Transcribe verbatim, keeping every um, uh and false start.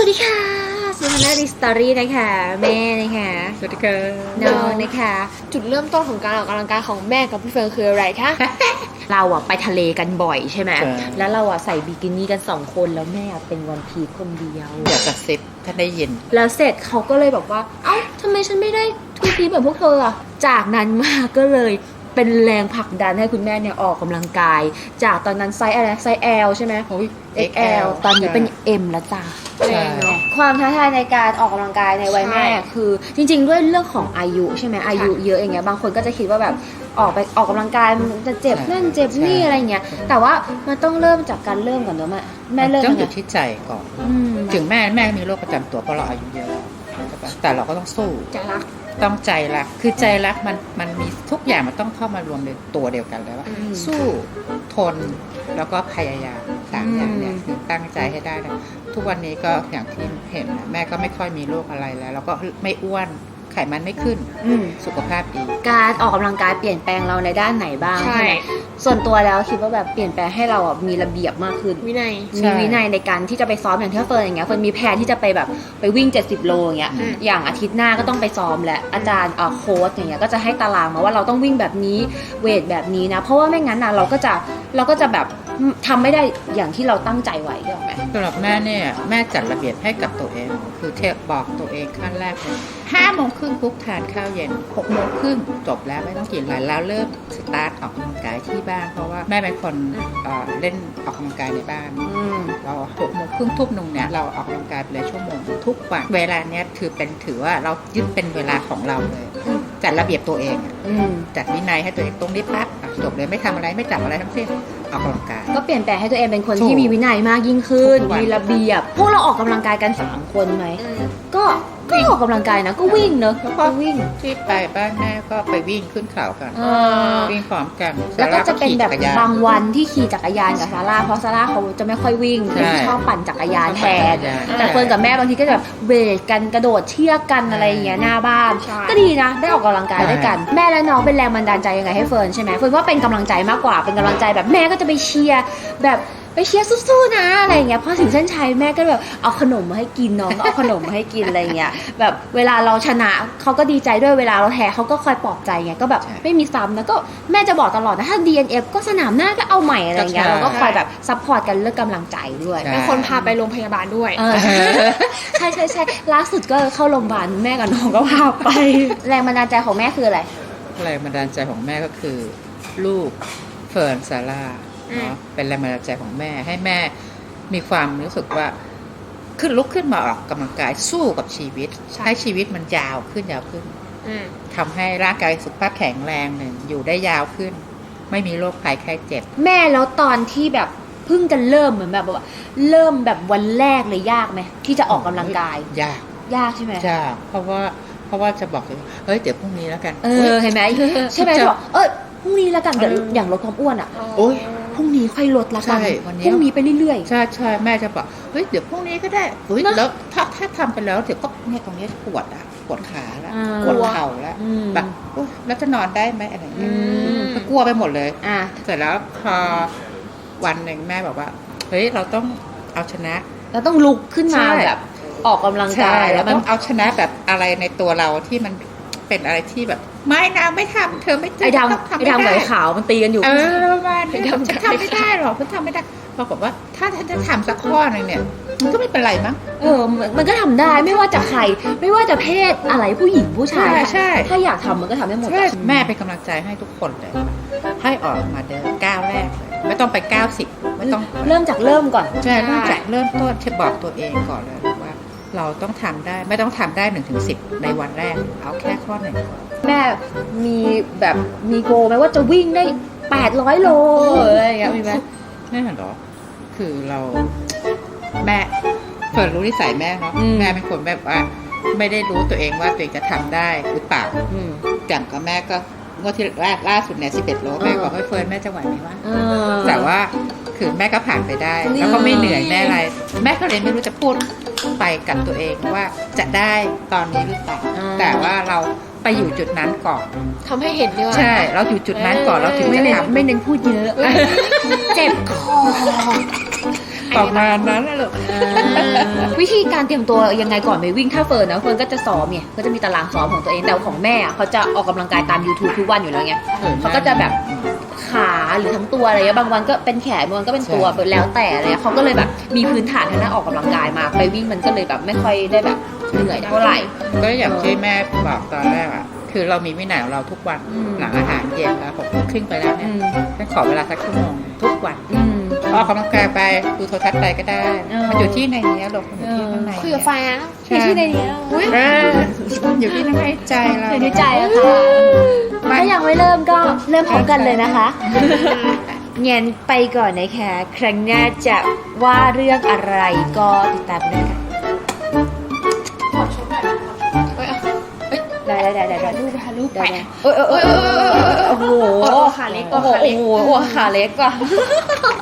วัสดีค่ะสุนันท์ดิสตอรี่นะคะแม่นะคะสวัสดีค่ะน้องนะคะจุดเริ่มต้นของการออกกำลังกายของแม่กับพี่เฟิร์นคืออะไรคะเราอะไปทะเลกันบ่อยใช่ไหมใช่แล้วเราอะใส่บิกินี่กันสองคนแล้วแม่อะเป็นวันพีชคนเดียวอยากจะเซ็ตถ้าได้ยินแล้วเสร็จเขาก็เลยบอกว่าเอ้าทำไมฉันไม่ได้ทูพีชแบบพวกเธออะจากนั้นมาก็เลยเป็นแรงผลักดันให้คุณแม่เนี่ยออกกำลังกาย จากตอนนั้นไซส์อะไรไซส์ L ใช่ไหมโอ้ยเอ็กซ์ แอล ตอนนี้เป็น M แล้วจ้าใช่ความท้าทายในการออกกำลังกายในวัยแม่ใช่คือจริงๆด้วยเรื่องของอายุใช่ไหมอายุเยอะอย่างเงี้ยบางคนก็จะคิดว่าแบบออกไปออกกำลังกายมันจะเจ็บนั่นเจ็บนี่อะไรเงี้ยแต่ว่ามันต้องเริ่มจากการเริ่มก่อนเนอะแม่แม่เริ่มต้องยังอไงยู่ที่ใจก่อนอืมถึงแม่แม่มีโรคประจำตัวเพราะเราอายุเยอะแล้วใช่ปะแต่เราก็ต้องสู้จะรักต้องใจรักคือใจรักมันมันมีทุกอย่างมันต้องเข้ามา รวมในตัวเดียวกันแล้วว่าอืมสู้ทนแล้วก็พยายามสามอย่างเนี่ยอืมคือตั้งใจให้ได้นะทุกวันนี้ก็อย่างที่เห็นนะแม่ก็ไม่ค่อยมีโรคอะไรแล้ว แล้วก็ไม่อ้วนไขมันไม่ขึ้นอืมสุขภาพดีการออกกำลังกายเปลี่ยนแปลงเราในด้านไหนบ้างใช่ไหมส่วนตัวแล้วคิดว่าแบบเปลี่ยนแปลงให้เราอ่ะมีระเบียบมากขึ้นวินัยใช่มีวินัยในการที่จะไปซ้อมอย่างที่เฟิร์นอย่างเงี้ยเฟิร์นมีแผนที่จะไปแบบไปวิ่งเจ็ดสิบโลอย่างเงี้ยอืมอย่างอาทิตย์หน้าก็ต้องไปซ้อมแหละอาจารย์เอ่อโค้ชอย่างเงี้ยก็จะให้ตารางมาว่าเราต้องวิ่งแบบนี้เวทแบบนี้นะเพราะว่าไม่งั้นนะเราก็จะเราก็จะแบบทำไม่ได้อย่างที่เราตั้งใจไว้ได้ไหมสำหรับแม่เนี่ยแม่จัดระเบียบให้กับตัวเอง คือเทปบอกตัวเองขั้นแรกเลยห้าโมงครึ่งปุ๊บทานข้าวเย็นหกโมงครึ่งจบแล้วไม่ต้องกินอะไรแล้วเริ่มสตาร์ทออกกำลังกายที่บ้านเพราะว่าแม่เป็นคนเอ่อเล่นออกกำลังกายในบ้านอืมเราหกโมงครึ่งทุ่มหนึ่งเนี่ยเราออกกำลังกายไปเลยชั่วโมงทุกวันเวลาเนี้ยถือเป็นถือว่าเรายึดเป็นเวลาของเราเลยจัดระเบียบตัวเองอะอืมจัดวินัยให้ตัวเองตรงนี้ปั๊บอ่ะจบเลยไม่ทำอะไรไม่จับอะไรทั้งสิ้นออกกำลังกายก็เปลี่ยนแปลงให้ตัวเองเป็นคนถูกที่มีวินัยมากยิ่งขึ้นทุกวันมีระเบียบพวกเราออกกำลังกายกันสามคนไหมก็ก็ออกกำลังกายนะก็วิ่งเนอะแล้วก็ก็วิ่งที่ไปบ้านแม่ก็ไปวิ่งขึ้นเขากันเออวิ่งพร้อมกันแล้วก็จะเป็นแบบซาร่าขี่จักรยานบางวันที่ขี่จักรยานกับซาร่าเพราะซาร่าเขาจะไม่ค่อยวิ่งใช่ชอบปั่นจักรยานแทนใช่แต่เฟิร์นกับแม่บางทีก็จะแบบเวทกันกระโดดเชือกกันอะไรอย่างเงี้ยหน้าบ้านใช่ก็ดีนะได้ออกกำลังกายด้วยกัน แม่และน้องเป็นแรงบันดาลใจยังไงให้เฟิร์นใช่ไหมเฟิร์นว่าเป็นกำลังใจมากกว่าเป็นกำลังใจแบบแม่ก็จะไปเชียร์แบบไปเชียร์สู้ๆนะอะไรอย่างเงี้ยพอถึงเส้นชัยแม่ก็แบบเอาขนมมาให้กินน้องก็เอาขนมมาให้กินอะไรอย่างเงี้ยแบบเวลาเราชนะเขาก็ดีใจด้วยเวลาเราแพ้เขาก็คอยปลอบใจไงก็แบบใช่ไม่มีซ้ำนะก็แม่จะบอกตลอดนะถ้า ดี เอ็น เอฟ ก็สนามหน้าก็เอาใหม่อะไรอย่างเงี้ยใช่เราก็คอยแบบซัพพอร์ตกันเรื่องกำลังใจด้วยใช่เป็นคนพาไปโรงพยาบาลด้วยเออ ใช่ใช่ใช่ล่าสุดก็เข้าโรงพยาบาลแม่กับน้องก็พาไป แรงบันดาลใจของแม่คืออะไรแรงบันดาลใจของแม่ก็คือลูกเฟิร์นซาร่าอืมเนาะเป็นแรงบันดาลใจของแม่ให้แม่มีความรู้สึกว่าขึ้นลุกขึ้นมาออกกำลังกายสู้กับชีวิตใช่ให้ชีวิตมันยาวขึ้นยาวขึ้นอืมทำให้ร่างกายสุขภาพแข็งแรงหนึ่งอยู่ได้ยาวขึ้น ไม่มีโรคภัยไข้เจ็บแม่แล้วตอนที่แบบเพิ่งจะเริ่มเหมือนแบบว่าเริ่มแบบวันแรกเลยยากไหมที่จะออกกำลังกายยากยากใช่ไหมยากเพราะว่าเพราะว่าจะบอกเลยเฮ้ยเดี๋ยวพรุ่งนี้แล้วกันเออเห็นไหมใช่ไหมจะบอกเออพรุ่งนี้ละกันเดี๋ยวเอออย่างลดความอ้วนอ่ะโอ๊ยพรุ่งนี้ค่อยลดละกันใช่วันนี้พรุ่งนี้ไปเรื่อยใช่ใช่แม่จะบอกเฮ้ยเดี๋ยวพรุ่งนี้ก็ได้เฮ้ยเนอะแล้วถ้าถ้าทำไปแล้วเดี๋ยวก็เนี่ยตรงนี้ปวดอ่ะปวดขาแล้วอ่าปวดเข่าแล้วอืมแบบอุ๊ยแล้วจะนอนได้ไหมอะไรอย่างอืเงี้ยมก็กลัวไปหมดเลยอ่ะเสร็จแล้วพอวันหนึ่งแม่บอกว่าเฮ้ยเราต้องเอาชนะเราต้องลุกขึ้นมาใช่แบบออกกำลังใช่กายเราแล้วมันต้องเอาชนะแบบอะไรในตัวเราที่มันเป็นอะไรที่แบบไม่นะไม่ทำเธอไม่ไอ้ต้องดำทำไอ้ไม่ดำกับได้ไอ้ขาวมันตีกันอยู่เออประมาณนี้ไม่ทำฉันทำไม่ได้หรอกฉันทำไม่ได้ปรากฏว่าถ้าฉันจะทำสักข้อหนึงเนี่ยมันก็ไม่เป็นไรมั้งเออมันมันก็ทำได้ไม่ว่าจะใคร ไม่ว่าจะเพศอะไรผู้หญิงผู้ชายใช่ใช่ถ้าอยากทำมันก็ทำได้หมดใช่อะแม่เป็นกำลังใจให้ทุกคนเลยให้ออกมาเดินก้าวแรกเลยไม่ต้องไปก้าวสิบไม่ต้องเริ่มจากเริ่มก่อนใช่เริ่มจากเริ่มต้นบอกตัวเองก่อนเลยว่า เราต้องทำได้ไม่ต้องทำได้หนึ่งถึงสิบในวันแรก เอาแค่ข้อหนึ่งก่อนแม่มีแบบมีโกไหมว่าจะวิ่งได้แปดร้อยโลอะไรอย่างเงี้ยมีไหมแม่เหรอคือเราแม่เฟิร์นรู้นิสัยแม่เนาะแม่เป็นคนแบบว่า ไม่ได้รู้ตัวเองว่าตัวเองจะทำได้หรือเปล่าอืมอย่างกับแม่ก็งวดที่ล่าล่าสุดเนี่ยสิบเอ็ดโลแม่บอกว่าเฟิร์นแม่จะไหวไหมวะเออแต่ว่าคือแม่ก็ผ่านไปได้นี่แล้วก็ไม่เหนื่อยแม่อะไร แม่ก็เลยไม่รู้จะพูดไปกับตัวเองว่าจะได้ตอนนี้หรือเปล่าแต่ว่าเราไปอยู่จุดนั้นก่อนทำให้เห็นด้วยใช่ เราอยู่จุดนั้นก่อนเราถึงไม่จะเน้นทำไม่เน้นพูดเยอะ เจ็บคอประมาณนั้นนะลูกวิธีการเตรียมตัวยังไงก่อนไปวิ่งถ้าเฟิร์นนะเฟิร์นก็จะซ้อมเนี่ยก็จะมีตารางซ้อมของตัวเองแต่ของแม่อะเขาจะออกกำลังกายตาม YouTube ทุกวันอยู่แล้วไงเขาก็จะแบบขาหรือทั้งตัวอะไรเงี้ยบางวันก็เป็นแขนบางวันก็เป็นตัวแล้วแต่อะไรเลยเขาก็เลยแบบมีพื้นฐานทางด้านออกกำลังกายมาไปวิ่งมันก็เลยแบบไม่ค่อยได้แบบเหนื่อยเท่าไหร่ก็อย่างที่แม่บอกตอนแรกอ่ะคือเรามีวินัยของเราทุกวันอืมหลังอาหารเย็นแล้วหกโมงครึ่งไปแล้วเนี่อืยมแค่ขอเวลาสักชั่วโมงทุกวันอืมออกกำลังกายไปดูโทรทัศน์ไปก็ได้เออมันอยู่ที่ในนี้ลูกมันอยู่ที่ข้างในคุยกับแฟนใช่ที่ในนี้อุ้ยเอออยู่ที่ในใจเราอยู่ในใจอะค่ะถ้ายังไม่เริ่มก็เริ่มพร้อมกันเลยนะคะเงียนไปก่อนนะคะครั้งหน้าจะว่าเรื่องอะไรก็ติดตามด้วยค่ะขอชุดหน่อยเอ้ยได้ได้ได้ได้ถ่าได้ยรูปถ่ายรูปได้ไปได้เอ้ยเอ้ยเอ้ยเอ้ยเอ้ยโอ้โหโอ้ขาเล็กโอ้โหขาเล็กโอ้โหขาเล็กว่ะ